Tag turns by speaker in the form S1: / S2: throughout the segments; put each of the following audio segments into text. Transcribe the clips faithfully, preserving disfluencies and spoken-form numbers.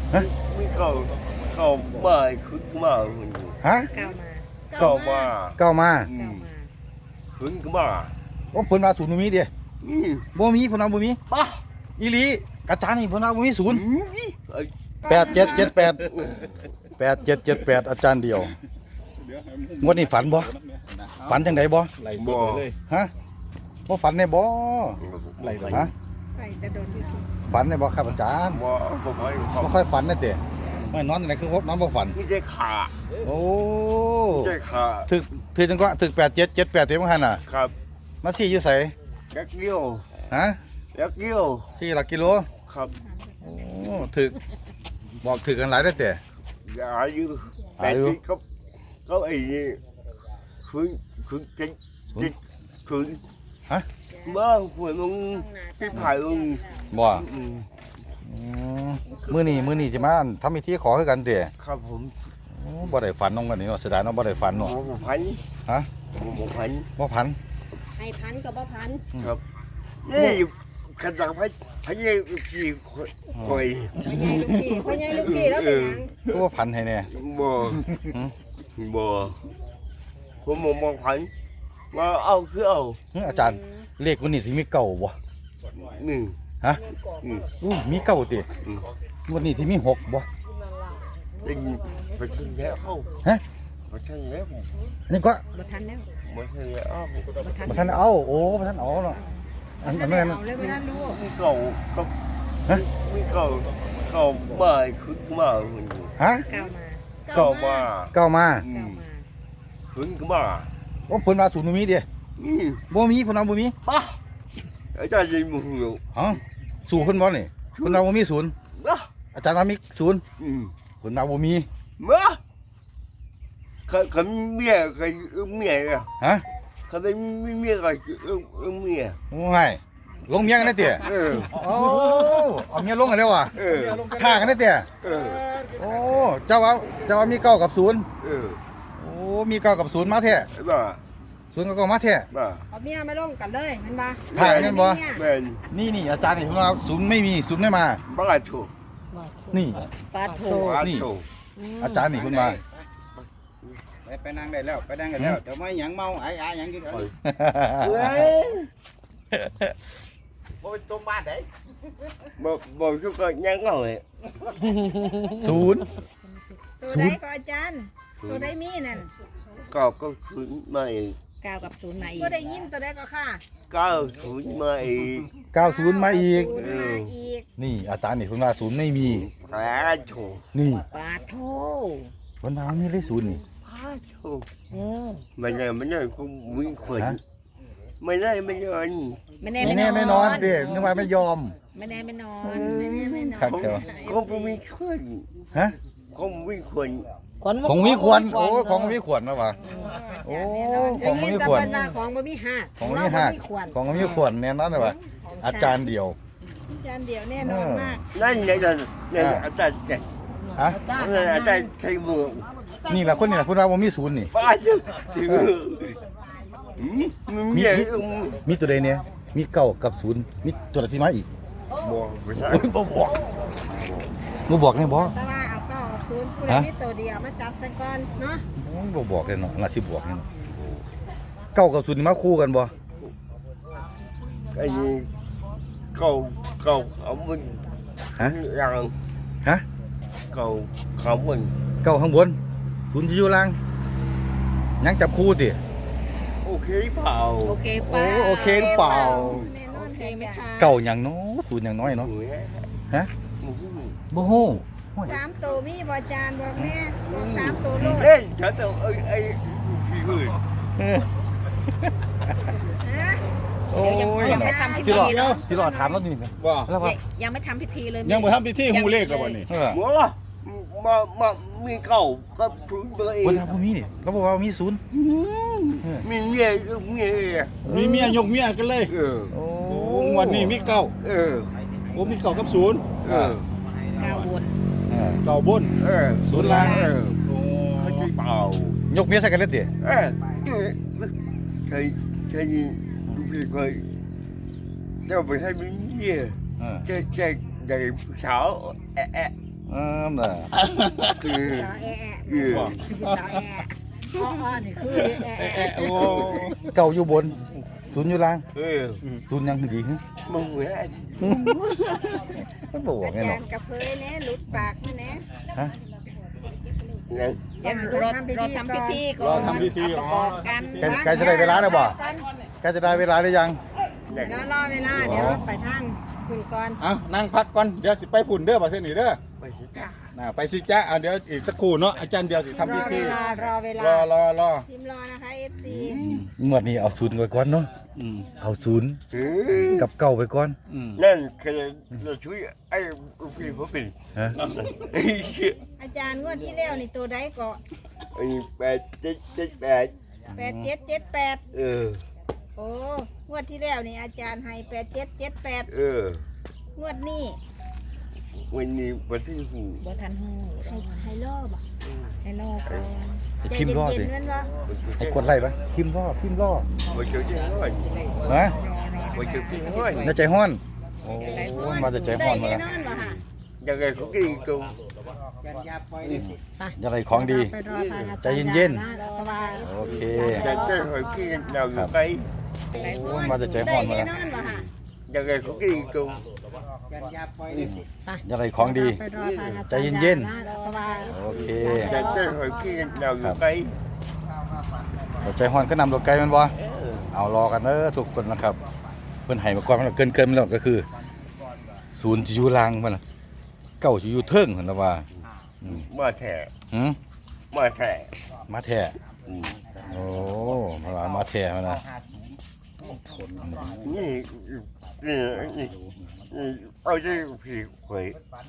S1: ฮะ
S2: ไม่เก่าเก่ามาคึกมาคน
S1: ฮะ
S3: เก้ามา
S2: เก่ามา
S1: เก้ามา
S2: อื
S3: เก้าม มา
S2: คึกมา
S1: ว่าเพิ่นว่าศูนย์บ่มีเด้
S2: อืม
S1: บ่มีเพิ่นว่าบ่มี
S2: ป้า
S1: อีหลีอาจารย์นี่เพิ่นว่าบ่มีศูนย์
S2: อืมไอ้
S1: แปดเจ็ดเจ็ดแปดแปดเจ็ดเจ็ดแปดอาจารย์เดียวงวดนี้ฝันบ่ฝันจังไดบ่
S4: ไหลสดเลย
S1: ฮะบ่ฝันได้บ่
S4: ไหลไหล
S1: ฮะ
S3: ไปแต่โดนที่สุด
S1: ฝันได้บ่ครับอาจารย์
S2: ว่าผมให้เขา
S1: บ่ค่อยฝันนะเด้ไม่นอนจังไดคือว่านอนบ่ฝัน
S2: ไม่ได้ขา
S1: โอ้
S2: ไม่ได้ขา
S1: ถึกถึกจังก็ถึกแปดเจ็ดเจ็ดแปดเต็มหันน่ะ
S2: ครับ
S1: มาซี่อยู่ไส
S2: ยักเกี้ยว
S1: ฮะ
S2: ยักเกี้ยว
S1: ซี่หลักกิโล
S2: ครับ
S1: โอ้ถึกบอกถึกกันหลายได้อแต่
S2: อย่าอายุแต่ที่เขาเขาไอ้นี่คืนคืนจิตจิตคืน
S1: ฮะ
S2: มาหัวมึงที่ผ่ายมึง
S1: บ่
S2: อืม
S1: อืมมื้อนี้มื้อนี้สิมาทำพิธีขอคือกันเด้
S2: ครับผม
S1: โอ้บ่ได้ฝันน้องกันนี่เนาะเสียดายเนาะบ่ได้ฝัน
S2: หม
S1: เนาะ
S2: อพัน
S1: ฮะ
S2: หมอพัน
S1: บ่พัน
S3: ให้พันกับบ่พัน
S2: ครับนี่ขนาดพันพันยี่กี่คอย
S3: พ่อใหญ่ลูกพี่พ่อใหญ่ลูกพี่แล้วเป็นหยัง
S1: ก็บ่พันให้แน่
S2: บ่
S1: หืม
S2: บ่ผมหมอมองพันมาเอาคือเอา
S1: เฮ้ยอาจารย์เลขวันนี้สิมีเก้าบ่
S2: หนึ่ง
S1: ฮะ
S2: อืม
S1: อู้มีเก้าติ
S2: อืม
S1: วันนี้สิมีหกบ่
S2: ได้ยินไปที่แล้วเอา
S1: ฮะ
S2: ไปที่แล้ว
S1: อันนี้ก็
S3: บ่ทันแล้ว
S2: ไปที่แล้ว
S3: บ่ทัน
S1: บ่ทันเอาโอ้บ่ทันเอาเนาะอันอันนั้น
S3: เอาเลยบ่ทันรู้
S2: มีเก่าก็
S1: ฮะ
S2: มีเก่าเก่ามาคึกมาคน
S1: ฮะ
S3: เก้ามา
S2: เก่ามา
S1: เก้ามา
S2: อื
S3: เก้าม มา
S2: คึกมา
S1: ว่าเพิ่นว่าศูนย์บ่มีเด้
S2: อืม
S1: บ่มีเพิ่นว่าบ่มี
S2: ป้าอาจารย์ยิงมือหู
S1: ฮะสู่เพิ่นบ่นี่เพิ่นว่าบ่มีศูนย์
S2: นะ
S1: อาจารย์ว่ามีศูนย์
S2: อืม
S1: เพิ่นว่าบ่มี
S2: มาเขาเขามีเมียเขาเอาเมียอะ
S1: ฮะ
S2: เขาไม่มีเมียเขาเอาเอาเมีย
S1: โอ้ยลงเมียกันได้เด้
S2: เออ
S1: โอ้เอาเมียลงกันแล้วว่ะ
S2: เออ
S1: ท่ากันได้เด้
S2: เออ
S1: โอ้เจ้าว่าเจ้าว่ามีเก้ากับศูนย์
S2: เออ
S1: โอ้มีเก้ากับศูนย์มาแท้
S2: บ้า
S1: ศูนย์กับเก้ามาแท้
S2: บ้า
S3: เอาเมียมาลงกันเลยแม่นบ่
S1: ถ่ายนั่นบ่
S2: แม่น
S1: นี่นี่อาจารย์นี่เพิ่นว่าศูนย์ไม่มีศูนย์ไม่มา
S2: บ้าถูก
S1: นี่
S3: ปาโถ
S2: บ้า
S1: นี่
S2: ถูก
S1: อาจารย์นี่เพิ่นว่า
S4: ไปไปนั่งได้แล้วไปนั่งกันแล้วเดี๋ยวไม่หยังเมาไอ้ไอ้หยังกินเอ้ย
S2: เฮ้ย
S4: บ่เป็นต้มบ้านได้
S2: บอกบอกทุกคนยังเอาเลย
S1: ศูนย์
S3: ตัว
S1: ศู
S3: ใด
S1: นย์
S3: ก็อาจารย์ตัวใดมีนั่น
S2: ก็ก็คืนมาอีก
S3: เก้ากับศูนย์มาอีกบ่ได้ยินตัวใดก็ค่ะ
S2: ก็คืนมาอีก
S1: เก้าศูนย์มาอีก
S3: ศูนย์มาอีก
S1: นี่อาจารย์นี่เพิ่นว่าศูนย์ไม่มี
S2: แพ้ถูก
S1: นี่
S3: ปาโถ
S1: เพิ่นว่ามีเลขศูนย์นี่
S2: แพ้ถูก
S3: เออ
S2: ไม่ได้ไม่ได้คงวิ่งขวน
S1: ฮะ
S2: ไม่ได้ไม่ได้
S3: ไม่แน่
S1: ไม่แน่ไม่นอนเด้นึกว่าไม่ยอม
S3: ไม่แน่ไม่นอนไม่แน่ไม่นอน
S1: ครับ
S2: คง
S1: เดี๋ยว
S2: คงวิ่งขวน
S1: ฮะ
S2: คงวิ่งขวน
S1: ของมีควรโอ้ของมีควรมาว่ะโอ้ของมีควร
S3: ได้ยินแต่เพิ่นว่าของบ่มีหัก
S1: ของมีหัก
S3: เราบ่มีควร
S1: ของมีควรแน่นอนเลยว่ะอาจารย์เดียว
S3: จานเดียวแน่นอนมาก
S2: นั่นเนี่ยจะเนี่ยอาจารย์จะ
S1: ฮะ
S2: อาจารย์ใช้มือ
S1: นี่แหละคนนี่แหละคุณว่าบ่มีศูนย์นี่
S2: ป้าจะถือมึง
S1: มี
S2: เนี่ย
S1: มีมีตัวใดเนี่ยมีเก้ากับศูนย์มีตัวใดที่มาอีก
S2: บอกไม่ใช่
S1: โอ้ยบ่บอกบ่บอกแน่บ่
S3: แต่ว่าเอาเก้าศูนย์ผู้ใด
S1: ฮะ
S3: มีตัวเดียวมาจับซะก่อนเนาะ
S1: โอ้ยบ่บอกเลยเนาะน่าสิบอกเลยเนาะเก้ากับศูนย์นี่มาคู่กันบ่
S2: ไอ้นี่เขาเขาเขามัน
S1: ฮะ
S2: ยัง
S1: ฮะ
S2: เขาเขามัน
S1: เก้าข้างบนศูนย์สิอยู่ล่างยังจับคู่ติ
S2: โอเคเปล่า
S3: โอเค
S1: โอ้โอเคหรือเปล่า
S3: แน่นอนเคไหมคะ
S1: เก้าหยังเนาะศูนย์หยังน้อยเนาะ
S2: หนูเนี่ย
S1: ฮะ
S2: หนู
S1: บ่ฮู้
S3: สามตัวมีบ่จานบอกแน่บอกสามตัวโลด
S2: เฮ้ยฉันต้องไอ้ไอ้กี่คน
S1: เออ
S3: ฮะ
S1: โอ้ย
S3: เดี๋ยวยังยังไม่ทำพิธี
S1: สิรอ
S3: เนอะ
S1: สิรอถามแล้วนี่นะ
S4: ว่า
S1: แล้วว่า
S3: ยังไม่ทำพิธีเลย
S4: ยังบ่ทำพิธีฮู้เลขแล้วบ่นี่
S1: เออ
S2: หัวละมามามีเก่าก็พูดตัวเอง
S1: บ่ทำบ่มีนี่เราบอกว่ามีศูนย์
S2: มีเมียก็เมีย
S4: มีเมียยกเมียกันเลย
S2: เออ
S1: โอ้
S4: โอ้งวันนี้มีเก้า
S2: เออ
S4: โอ้มีเก้ากับศูนย์
S2: เออ
S3: เก้าวน
S1: เออ
S4: เก้าบน
S2: เออ
S4: ศูนย์ล่าง
S2: เออ
S4: โอ้
S2: เขาจะเปล่าย
S1: กเมียใส่กันเลยติ
S2: เออใครใครดูพี่เคยเจ้าไปให้มีเมีย
S1: เออ
S2: แกแกใหญ่สาวแอะแอะ
S1: ออ่าน่ะ
S2: คือ
S3: สาวแอะ
S2: เออ
S3: สาวแอะอ้อๆนี่คือแอะแอะ
S4: โอ้
S1: เก่าอยู่บนศูนย์อยู่ล่าง
S2: เออ
S1: ศูนย์ยังดีฮะ
S2: มึงแหวน
S1: มันบ่บอก
S3: อา
S1: แน่น
S3: จา
S1: อ
S3: ร
S1: น
S3: ย์กระเพยแน่หลุดปากมาแน่
S1: ฮะ
S2: นั่น
S3: เดี๋ยวรอรอทำพิธีก่อน
S4: รอทำพิธี
S3: ประกอบกัน
S1: ใกล้ใกล้จะได้เวลาแล้วบ่ใกล้จะได้เวลาหรือยัง
S2: นั่น
S3: แล้วรอเวลาเดี๋ยวไปทางคุณก่อน
S4: เอานั่งพักก่อนเดี๋ยวสิไปพุ่นเด้อประเทศนี้เด้อ
S2: ไปสิจ้า
S4: น่ะไปสิจ้าเอาเดี๋ยวอีกสักครู่เนาะอาจารย์เดียวสิ
S3: ร
S4: ทำพิ
S3: อเว
S4: ธี
S3: ลารอเวลาร
S4: อรอรอ
S3: พิมพ์รอนะคะ เอฟ ซี
S1: งวดนี้เอาศูนย์ไว้ก่อนเนาะ
S4: อืม
S1: เอาศูนย์
S2: เออ
S1: กับเก่าไปก่อน
S4: อืม
S2: นั่นคือเราช่วยไอ้พี่เขาเป็น
S1: ฮะ
S2: ไอ้เหี้ย
S3: อาจารย์งวดที่แล้วนี่ตัวใดก็
S2: ไอ้แปดเจ็ดเจ็ดแปด
S3: แปดเจ็ดเจ็ดแปด
S2: เออ
S3: โอ้งวดที่แล้วนี่อาจารย์ให้แปดเจ็ดเจ็ดแปด
S2: เออง
S3: วดนี้
S2: วันนี้วันที่หู
S3: บ่ทันหูให้ให้รอบอ่ะให้รอก่อน
S1: จะพิมพ์รอ
S3: ใจ
S1: สิ
S3: เย็นๆแม่นบ่
S1: ไอ้กดไล่ปะพิมพ์รอพิมพ์รอ
S2: วันเจอที่ห้อย
S1: ฮะ
S2: วันเจอที่ห้อย
S1: ในใจห้อนโอ้มาแต่ใจห้อนมา
S3: ได้
S1: แล้ว
S3: แน่นอนบ่ค่ะ
S2: ยังไงเขากินกู
S1: อะไรของดี
S3: ไปรอทางอาจาร
S1: ใจเย็นๆ
S3: นะเพราะว่า
S1: โอเค
S2: จะเจอหอยกินเราอยู่ไป
S1: โอ้มาแต่ใจห้อนมา
S3: ได้
S1: แล้ว
S3: แน่นอนบ่ค่ะ
S2: ยังไงเขากินกู
S1: อะไรของดี
S3: ไปรอทางอา
S1: ใจ
S3: จารย์
S1: เย็นๆ
S3: นะเพราะว่า
S1: โอเค
S2: จะเจอหอยกินเราอยู่ไป
S1: แต่ใจห้อนก็นำรถไกลมันบ่เอารอกันเด้อทุกคนนะครับเพิ่นให้มาก่อนมันเกินเกินๆมาแล้วก็คือ ศูนย์จะอยู่ล่างมันน่ะเก้าจะอยู่เทิงหั่นล่ะว่าอืม
S2: มาแถ
S1: หืม
S2: มาแถ
S1: มาแท้โอ้มาว่ามาแท้มานะ
S2: นี่นี่นี่เอาใจผีหวย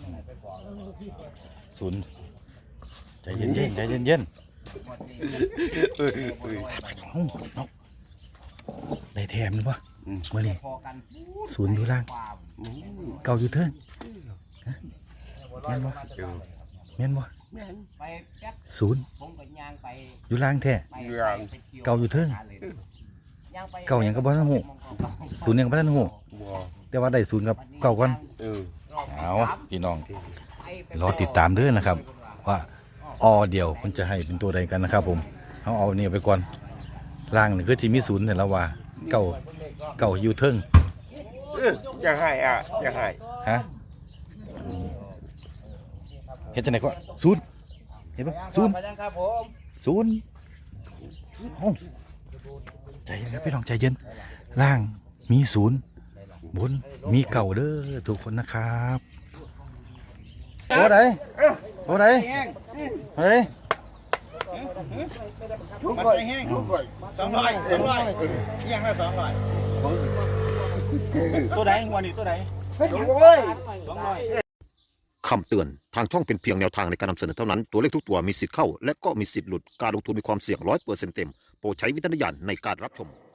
S1: ศูนย์ใจเย็นๆใจเย็น
S2: เออเออ
S1: ๆเอ้าเนาะได้แถมบ่มื้อนี้ศูนย์อยู่ล่างเก้าอยู่เทิงฮะแม่นบ่แม่นบ่ศูนย์อยู่ล่างแท้
S2: ยัง
S1: เก่าอยู่เทิงเก่าหยังก็บ่ทันฮู้ศูนย์หยังก็บ่ทันฮู้
S2: บ่
S1: แต่ว่าได้ศูนย์กับเก่าก่อน
S2: เออ
S1: เอาพี่น้องรอติดตามเด้อนะครับ ว่าออเดียวมันจะให้เป็นตัวใดกันนะครับผมเอาเอานี่ไปก่อนล่างนี่คือที่มีศูนย์เนี่ยแล้วว่าเก่าเก่าอยู่เทิง
S2: เออจะให้อ่ะจะให้
S1: ฮะเฮ็ดจังได๋ก็ศูนย์เห็นบ่ศูนย์
S4: มาจังครับผม
S1: ศูนย์เอ้าใจเย็นครับพี่น้องใจเย็นล่างมีศูนย์บนมีเก่าเด้อทุกคนนะครับโอ้ไหนโอ้ไหนเฮ้ย
S4: มันใจแห้งสองร้อยสองร้อยเอียงละสองร้อยตัวไหนวันนี้ตัวไหนสองร้อย
S5: คำเตือน ทางช่องเป็นเพียงแนวทางในการนำเสนอเท่านั้น ตัวเลขทุกตัวมีสิทธิ์เข้า และก็มีสิทธิ์หลุด การลงทุนมีความเสี่ยงร้อยเปอร์เซ็นต์เต็ม โปรดใช้วิจารณญาณในการรับชม